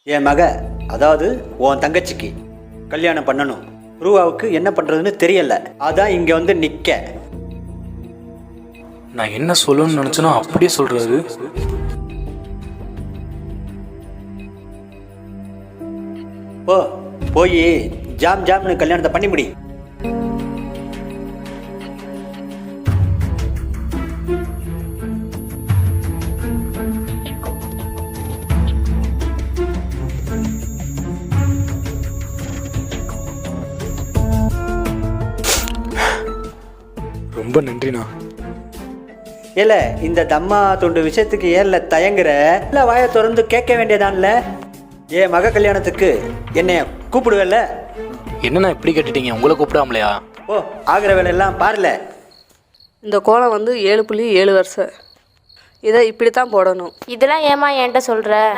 என் மக, அதாவது உன் தங்கச்சிக்கு கல்யாணம் பண்ணணும். ரூபாவுக்கு என்ன பண்ணுறதுன்னு தெரியல. அதான் இங்கே வந்து நிற்க. நான் என்ன சொல்லணும்னு நினச்சனோ அப்படியே சொல்கிறாரு. போய் ஜாம்னு கல்யாணத்தை பண்ணி முடி. ரொம்ப நன்றிண்ணா. இல்ல இந்த தம்மா துண்டு விஷயத்துக்கு ஏன்ல தயங்குற? இல்ல வாயை திறந்து கேட்க வேண்டியதான்ல. ஏன் மக கல்யாணத்துக்கு என்னைய கூப்பிடுவேல்ல? என்னண்ணா இப்படி கேட்டுட்டீங்க? உங்களை கூப்பிடாமலையா? ஆகிற வேலையெல்லாம் பாருல. இந்த கோலம் வந்து 7.7 வருஷம். இதை இப்படி தான் போடணும். இதெல்லாம் ஏமா என்கிட்ட சொல்கிற?